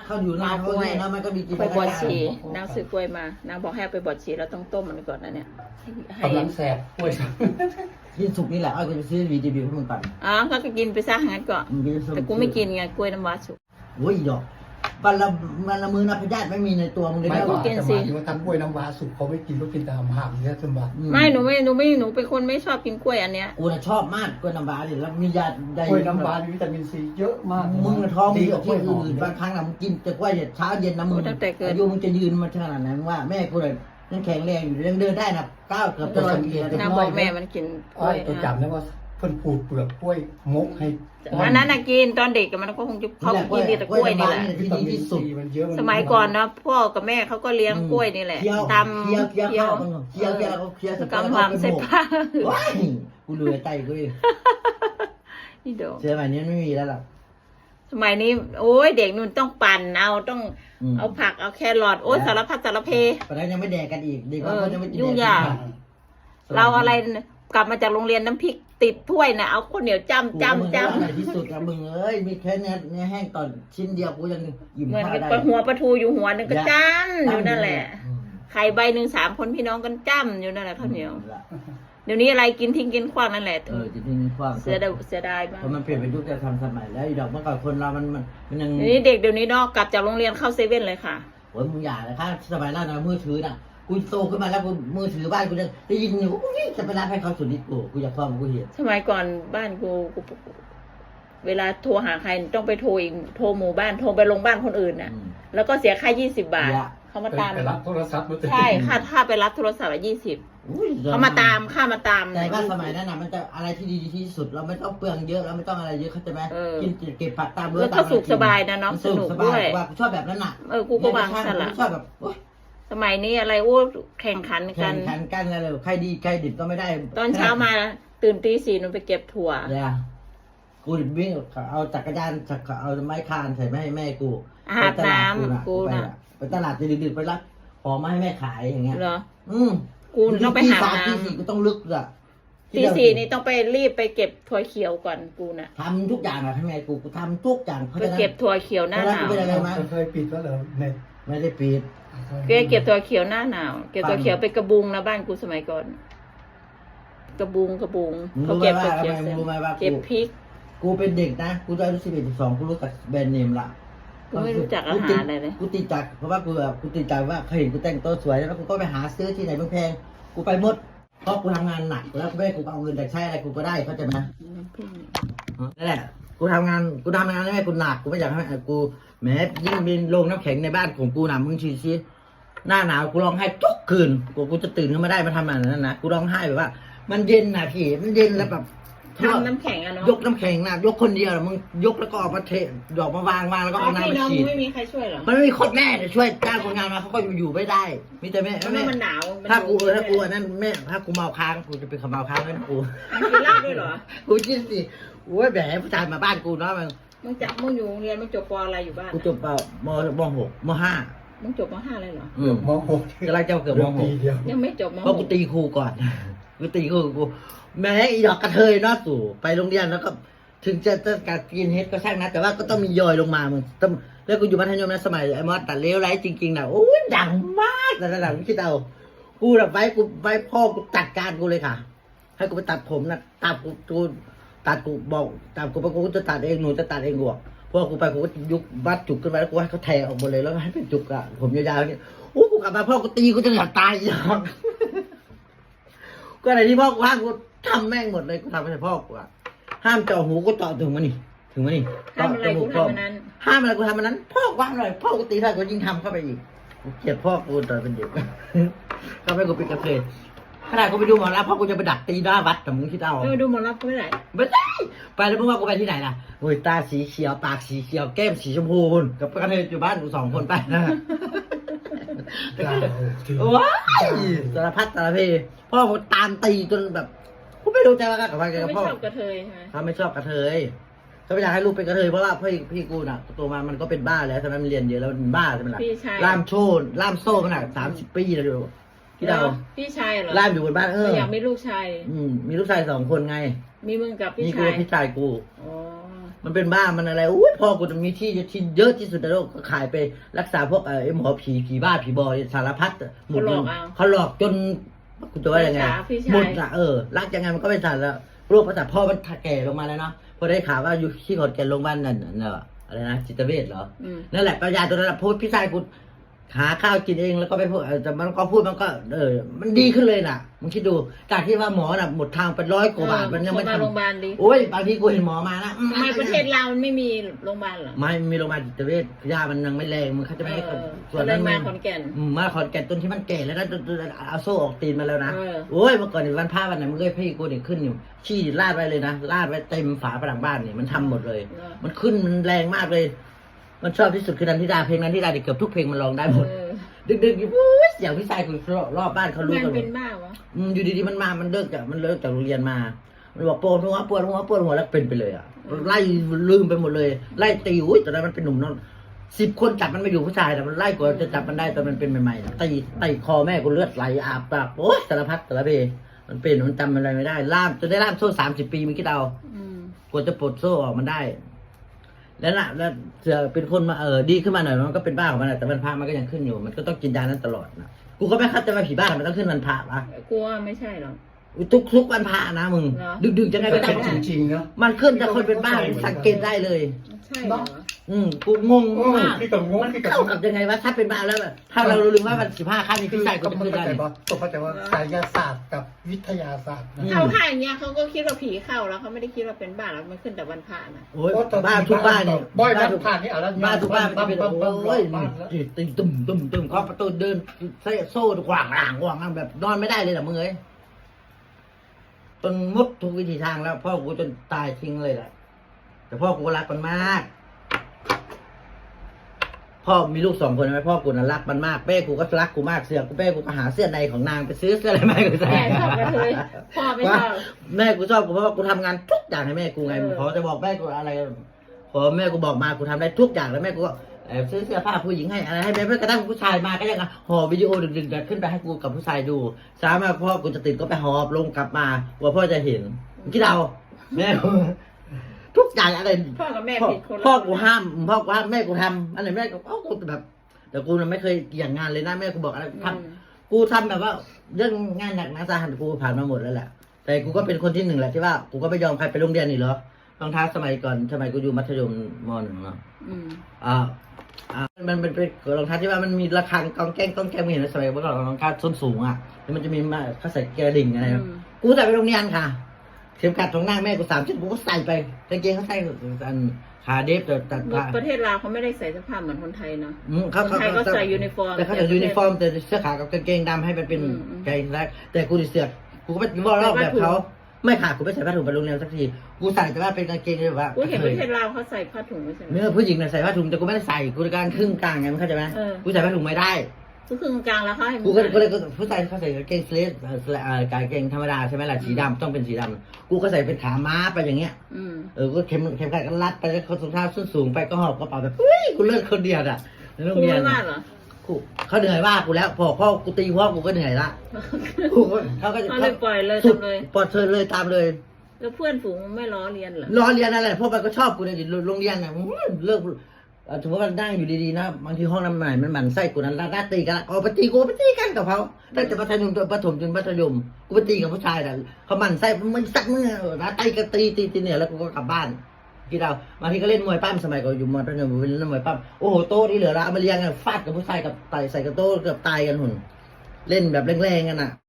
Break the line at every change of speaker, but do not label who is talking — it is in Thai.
เขาอยู่นานเขาเนี่ยนะมันก็มีกิน
ไปบวชชีนางซื้อกล้วยมานางบอกให้ไปบวชชีแล้วต้องต้มมันก่อนนะเนี่ยให้
กำลังแสบกล้วย
กินสุกนี่แหละเอาไปซื้อวีดีบีให้มึงปั่น
อ๋อก็กินไปซะงั้นก่อนแต่กูไม่กินไงกล้วยน้ำว้าสุก
โอ้ยดอกวันละมือนะพยาธิไม่มีในตัวมึงเลย
ไม่
นะ
ก่อนแต่มาที่ว่าทำกล้วยน้ำว้าสุกเขาไม่กินเขากินแต่หามเนื้อสมบัติ
ไม่หนูเป็นคนไม่ชอบกินกล้วยอันเนี้ย
กูน่ะชอบมากกล้วยน้ำว้าดิแล้วมียาใด
กล้วยน้ำว้ามีวิตามินซีเยอะมาก
มึงท้อง
ดี
ดี
ก
ก
ว่า
ว่าก
ล้
ที่
วยหอม
อื่นบางครั้งนะมึงกินแต่กล้วยเช้าเย็นนะมึงอายุมึงจะยืนมาขนาดนั้นว่าแม่กูเลยยังแข็งแรงอยู่ยังเดินได้นะก้าวเกือบจะร้อยปีแล้ว
นางบอกแม่มันกินก
อ้
ล้
อ
วย
ตัวจับนะว่าเพิ่นปูดเปลือกกล้วยมกให้
อันนั้นน่ะกินตอนเด็กมันก็คงจะเขากินดีแต่กล้วยนี่แหละ
วิตามินซีมันเยอะ
สมัยก่อนนะพ่อกับแม่เขาก็เลี้ยงกล้วยนี่แหละ
เคี้ยว
ตำ
เคี้ยวข้าวมึงเคี้ยวแล้วก็เคี้ยว
กำลังใส่ผ้า
ว้ายกูเหลือใจกูเอง
นี่โด
เสื้อใหม่นี้ไม่มีแล้วหรอก
สมัยนี้โอ้ยเด็กนุ่นต้องปั่นเอาต้อง
อืม
เอาผักเอาแครอทโอ้ยสารพัดสารเพ
ตอนนั้นยังไม่แดกกันอีกเด็กบางคนยังไม่กิน
ยุ่ง
แดก
ยาก เราอะไรกลับมาจากโรงเรียนน้ำพริกติดถ้วยนะเอาข้าวเหนียวจ้ำ
จ้ำ
จ้ำ
จ้ำ
จ้ำ
ในที่สุดอะมึงเอ้ยมีแค่เนี้ยแห้งตอนชิ้นเดียวกูยังอิ่ม
เหมือน
ข้าว
กับ
ได้
หัวปลาทูอยู่หัวหนึงก็จ้ำอยู่นั่นแหละ
อืม
ไข่ใบหนึ่ง3 คนพี่น้องกันจ้ำอยู่นั่นแหละข้าวเหนียวเดี๋ยวนี้อะไรกินทิ้งกินขว้างนั่นแหละ
จริงๆความ
เสียดายมาก
เพราะมันเปลี่ยนไปยุคจะทำสมัยแล้วอีดอกเมื่อก่อนคนเรามันยัง
เดี๋ยวนี้เด็กเดี๋ยวนี้เนอกกลับจากโรงเรียนเข้าเซเว่นเลยค่ะ
โอ้ยมึงอย่าเลยค่ะสมัยนั้นนะมือถือน่ะกูโตขึ้นมาแล้วกูมือถือบ้านกูจะได้ยินอยู่อุ้ยจะไปรับให้เขาสุดฤทธิ์กูอยากฟังกูเห็น
สมัยก่อนบ้านกูเวลาโทรหาใครต้องไปโทรอีกโทรหมู่บ้านโทรไปลงบ้านคนอื่นน่ะ แล้วก็เสียค่า20 บาท เขามาตาม
ไปรับโทรศัพท์มา
ใช่ค่าไปรับโทรศัพท์20
อุ้ย
เขามาตามค่ามาตาม
แต่ว่าสมัยนั้นน่ะมันจะอะไรที่ดีที่สุดเราไม่ต้องเปลืองเยอะเราไม่ต้องอะไรเยอะเข้าใจไหมกินเก็บผักตาม
แล้วก็สุขสบายนะน้องสนุกด้วย
ว่ากูชอบแบบนั้นน่ะ
กูก็วางสลับ
ชอบแบบโอ๊ย
สมัยนี้อะไรโอ้แข่งขันกั
แข่
น
งขันกันอะไรเลยใครดีใครดิบก็ไม่ได้
ตอนเช้ามาตื่นตี 4นุ่นไปเก็บถั่ว
เนี่ยกูวิ่งเอาจักรยานเอาไม้คานใส่มาให้แม่กู
อาบน้ำกูน่ะ
ไปตลาดดึกๆไปรับของมาให้แม่ขายอย่างเงี้ย
เหรอ
อืม
กูต้องไปหา
ตี
น้ำ
4กูต้องลึกอ่ะ
ตี 4นี่ต้องไปรีบไปเก็บถั่วเขียวก่อนกูน่ะ
ทำทุกอย่างอะให้แม่กูทำทุกอย่าง
ไปเก็บถั่วเขียวหน้าหนาว
เคยปิดแล้วเหรอเน็ต
ไม่ได้ปิด
เก็บถั่วเขียวหน้าหนาวเก็บถั่วเขียวไปกระบุงนะบ้านกูสมัยก่อน กระบุง
มึง
เขา
รู้ไหม
เก็บ
ว่า
ถั่ว
ทำ
เขียว
ไมมึงรู้ไหมว่า
เก็บพริก
กูเป็นเด็กนะกูอายุ11 12กูรู้จักแบรนด์เนมละ
กูไม่รู้จักอาหารอะไรเลย
กูติดจักเพราะว่ากูติดใจว่าเคยเห็นกูแต่งตัวสวยแล้วกูก็ไปหาซื้อที่ไหนแพงๆกูไปหมดเพราะกูทำงานหนักแล้วแม่กูเอาเงินจากใช้อะไรกูก็ได้เข้าใจไหมนั่นแหละกูทำงานให้แม่กูหนักกูไม่อยากให้กูแหมยิ่งเป็นโรงน้ำแข็งในบ้านของกูนะมึงชี้หน้าหนาวกูร้องไห้ทุกคืนกูจะตื่นขึ้นมาได้มาทำอะไรนั่นนะกูร้องไห้แบบว่า มันเย็นนะพี่มันเย็นแล้วแบบ
ทำน้ำแข็งอะเนาะ
ยกน้ำแข็งนะยกคนเดียวมึงยกแล้วก็ออกมาเทดอกมาวางแล้วก็เอาน้ำ
พี่
มา
น้อง
ฉีด
ไม่มีใครช่วยเหรอ
มันไม่มีคนแม่จะช่วยจ้างคนงานมาเขาก็อยู่ไม่ได้มีแต่แม่
เพราะว่ามันหนาวมัน
ถ้ากูอันนั้นแม่ถ้ากูเมาค้างกูจะเป็นขมเมาค้างนั่นกู
มันกินเหล้าด้วยเหรอ
กูคิดสิโอ้ยแหมผู้ชายมาบ้านกูเนาะมึง
มึงอยู่โรงเรียนมึงจบปอะไรอยู่บ้าน
กูจบเปล่าม.6 ม.5
มึงจบม5เลยเหรอ
มหก
กำลังจะเกือบม
ปีเดียว
ยังไม่จบม
.6 เพราะกูตีครูก่อนกูตีครูกูแม้อีดอกกระเทยเนาะสู่ไปโรงเรียนแล้วก็ ถึงจะการกินเฮดก็ช่างนะแต่ว่าก็ต้องมียอยลงมามึงต้องแล้วกูอยู่มัธยมนะสมัยไอ้มอสตัดเลี้ยวไรจริงๆนะโอ้ยดังมากแต่ระดับคิดเอากูแบบไว้พ่อกูจัดการกูเลยค่ะ ให้กูไปตัดผมนะตัดกูตัดกูบอกตัดกูไปกูจะตัดเองหนูจะตัดเองกูเพราะกูไปกูก็ยุกบัดจุกขึ้นมาแล้วกูให้เขาแทงออกหมดเลยแล้วให้เป็นจุกอะผมยาวๆนี่โอ้กูกลับมาพ่อกูตีกูจะอยากตายอีกก็อะไรที่พ่อกูห้ามกูทำแม่งหมดเลยกูทำให้พ่อกูอะห้ามเจาะหูก็เจาะถึงมานี่
ทำอะไรกูทำอันนั้น
ห้ามอะไรกูทำอันนั้นพ่อว่างหน่อยพ่อกูตีเท่ากูยิ่งทำเข้าไปอีกกูเกลียดพ่อกูตอนเป็นเด็ก เข้าไปกูเป็นกระเทยขนาดกูไปดูหมอลำพ่อกูจะไปดักตีหน้าวัดแต่มึงคิดเอา
ดูหมอรับก็ไม่ได้
ไม่ได้ไปแล้วมึงว่ากูไปที่ไหนล่ะโอ้ยตาสีเขียวปากสีเขียวแก้มสีชมพูคุณกับกระเทยอยู่บ้านกู2 คนไปนะ ว้ายสารพัดสารเพพ่อกูตามตีจนแบบกูไม่รู้ใจว่ากับใครกับ
ไม่
พ่อ
ชอบกระเทยใช่ไหม
เขาไม่ชอบกระเทยเขาไม่อยากให้ลูกเป็นกระเทยเพราะว่าพี่กูน่ะตัวมามันก็เป็นบ้าแล้วใช่ไหมมันเรียนเยอะแล้วมันบ้าใช่ไหมล่ะ
พี่ชาย
ล่ามโซ่ขนาด30 ปีแล้วดูที่เรา
พี่ชายเหรอ
ล่ามอยู่บนบ้าน
อยากมีลูกชาย
มีลูกชาย2 คนไง
มีมึงกับพี่
นี่กู
ชาย
พี่ชายกู
อ๋อ
มันเป็นบ้ามันอะไรอุ้ยพ่อกูจะมีที่เยอะที่สุดในโลกก็ขายไปรักษาพวกไอ้หมอผีบ้าผีบอสารพัดหมดเลยเขาหลอกจนกูจะว่ายังไงหมดอ่ะรักยังไงมันก็ไม่ทันแล้วโรคประสาทพ่อมันแก่ลงมาแล้วเนาะพอได้ข่าวว่าอยู่ที่ขอนแก่นโรงพยาบาลนั่นน่ะอะไรนะจิตเวชเหรอนั่นแหละปัญญาตัวนั้นพูดพี่ชายกูหาข้าวกินเองแล้วก็ไปพูดแต่มันก็พูดมันก็มันดีขึ้นเลยน่ะมึงคิดดูจากที่ว่าหมอน่ะหมดทางเป็น100 กว่าบาทมันยังไม่ทำ
โรงพยาบาลดี
โอ้ยบางทีกูเห็นหมอมานะ
ทำไมประเทศเรามันไม่มีโรงพยาบาลเหรอ
ไม่มีโรงพยาบาลจิตเวชยามันยังไม่แรงมึงเขาจะไม่ให้ส่วน
ก็เล
นั้
ย
น
มาขอนแก่น
มาขอนแก่นจนที่มันแก่แล้วนะจนเอาโซ่ออกตีนมาแล้วนะโอ้ยเมื่อก่อนนี่วันพระวันไหนมึงเคยพี่กูนี่ขึ้นอยู่ขี้ลาดไว้เลยนะลาดไว้เต็มฝาผนังบ้านนี่มันทำหมดเลย มันขึ้นมันแรงมากเลย มันชอบที่สุดคือนันทิดาเพลงนันทิดาเกือบทุกเพลงมันร้องได้หมดดึกๆอยู่อย่างพี่ชายคุณรอบบ้านเขารู้กันหม
เป็
ด
นบ้าวะ
อยู่ดีๆมันเลิกจากโรงเรียนมา มันบอกปวดหัวแล้วเป็นไปเลยอ่ะไล่ลืมไปหมดเลยไล่ตีอุ้ยตอนนั้นมันเป็นหนุ่มนอน10 คนจับมันไม่อยู่ผู้ชายแต่มันไล่กว่าจะจับมันได้ตอนมันเป็นใหม่ๆตีคอแม่กูเลือดไหลอาบปากโอ๊ยสารพัดสารเพมันเป็นมันจำอะไรไม่ได้ล่ามจนได้ล่ามโซ่30 ปีมันคิดเอากว่าจะปลดโซ่ออกมันได้แล้วเสือเป็นคนมาดีขึ้นมาหน่อยมันก็เป็นบ้าของมันแต่วันพระมันก็ยังขึ้นอยู่มันก็ต้องกินยานั้นตลอดนะกูก็ไม่เข้าใจว่าผีบ้ามันต้องขึ้นวันพระวะ
กลัวไม่ใช่หรอก
ทุกวันพระนะมึงดึกๆจะไงก็
แต่
ได้
จริงๆเนาะ
มันขึ้นแต่คนเป็นบ้าสังเกตได้เลย
ใช่เหรอ
กูงงมาก
พี่กับงง
มัน
พี่กับ
เข้าง กับยังไงวะถ้าเป็นบ้าแล้วแบบถ้าเรารู้ว่ามัน15 ขั้นนี้พี่ชายกู
ก็
จะ
ไม่
ขึ้น
เข้า
ได้
ใจว่าต้องเข้าใจว่าไสยศาสตร์กับวิทยาศาสตร์นะ
เข้าค่ายอย่างเงี้ยเขาก็คิดว่าผีเข้าแล้วเขาไม่ได้คิดว่าเป็นบ้าแล้วมันขึ้นแต่วันพระนะ
โอ้ยบ้าทุกบ้านเนี่ย
บ่อยบ้านทุกบ้านนี่เอาแล้ว
บ้านทุกบ้านมันจะเป็นโอ้ยตึมเคาะประตูเดินโซ่กว่างแบบนอนไม่ได้เลยนะมึงเอ้ยจนมุดทุกวิธีทางแล้วพ่อกูจนตายทิ้งเลยแหละแต่พ่อกูรักมันมากพ่อมีลูก2 คนไหมพ่อกูน่ะรักมันมากแม่กูก็รักกูมากเสื้อกูแม่กูก็หาเสื้อในของนางไปซื้อเสื้ออะไรมาให้กูใส่
แม่ชอบกระเทยพ่อไม่ชอบ
แม่กูชอบกูเพราะว่ากูทำงานทุกอย่างให้แม่กูไงขอจะบอกแม่กูอะไรขอแม่กูบอกมากูทำได้ทุกอย่างแล้วแม่กูก็ซื้อเสื้อผ้าผู้หญิงให้อะไรให้แม่กระทั่งผู้ชายมาก็ยังห่อวิดีโอดึกๆขึ้นไปให้กูกับผู้ชายดูสามารถพ่อกูจะติดก็ไปหอบลงกลับมากลัวพ่อจะเห็นคิดเอาแม่กูทุกอย่างอะไร
พ่อกับแม่ผิดคนละ
พ่อกูห้ามแม่กูทำอันไหนแม่กูแบบแต่กูไม่เคยอย่างงานเลยนะแม่กูบอกอะไรทำกูทำแบบว่าเรื่องงานหนักนะสาหัสกูผ่านมาหมดแล้วแหละแต่กูก็เป็นคนที่1แหละที่ว่ากูก็ไม่ยอมใครไปโรงเรียนนี่เหรอรองเท้าสมัยก่อนสมัยกูอยู่มัธยมม.1เนาะมันเป็นรองเท้าที่ว่ามันมีระฆังกองแก้งไม่เห็นสมัยเมื่อก่อนรองเท้าส้นสูงอ่ะแล้วมันจะมีมาเขาใส่กระดิ่งอะไรกูใส่ไปโรงเรียนค่ะเข็มขัดของนางแม่กู3 เส้นกูก็ใส่ไปกางเกงเขาใส่อันขาเดฟแต่ผ้า
ประเทศลาวเขาไม่ได้ใส่เสื้อผ้าเหมือนคนไทยเนาะ
เขา
คนไทยก็ใส่ยูนิฟอร์ม
แต่เขาใส่ยูนิฟอร์มแต่เสื้อขาวกับกางเกงดำให้มันเป็นกางเกงแรกแต่กูดิเสือกกูก็ไม่บอกรอบแบบเขาไม่ขาดกูไม่ใส่ผ้าถุงไปโรงเรียนสักทีกูใส่แต่ว่าเป็นกางเกงแบบว่า
กูเห็นประเทศลาวเขาใส่ผ้าถุงไม่ใช่ไหม
เนื้อผู้หญิงใส่ผ้าถุงแต่กูไม่ได้ใส่กูการครึ่งกลางไงมันเข้าใจไหมกูใส่ผ้าถุงไม่ได้
ก็คือกลางแล้วเขาให้
กูก็เลยผู้ชายเขาใส่กางเกงสเลสกางเกงธรรมดาใช่ไหมล่ะสีดำต้องเป็นสีดำกูก็ใส่เป็นขาม้าไปอย่างเงี้ยก็เข็มขัดก็รัดไปแล้วเขาถุงเท้าส้นสูงไปก็หอบกระเป๋าแบบกูเลิกคนเดียวอ่ะในโรง
กู
เรียน
ไม่ว่าเหรอ
เขาเหนื่อยว่ากูแล้วพ่อกูตีพ่อกูก็เหนื่อยละกูเขาก็
เขาเลยปล่อยเลย
สุด
ทำเลย
ปลอดเชิญเลยตามเลย
แล้วเพื่อนฝูงไม่ล้อเลียนเหรอ
รอเรียนอะไรเพราะมันก็ชอบกูเลยโรงเรียนน่ะเลิกถือว่ามันนั่งอยู่ดีๆนะบางทีห้องน้ำไหนมันหมั่นไส้กูนั้นน่าตีกันเอาไปตีกูไปตีกันกับเขาตั้งแต่ประถมจนมัธยมกูไปตีกับผู้ชายน่ะเขาหมั่นไส้มึงสักมึงนะตีกันตีเนี่ยแล้วกูก็กลับบ้านกี่ดาวบางทีก็เล่นมวยปั้มสมัยก่อนอยู่มัธยมเล่นมวยปั้มโอ้โหโต๊ะที่เหลือละเอามาเลี้ยงกันฟาดกับผู้ชายกับไต่ใส่กับโต๊ะเกือบตายกันหุ่นเล่นแบบแรงๆกันอ่ะ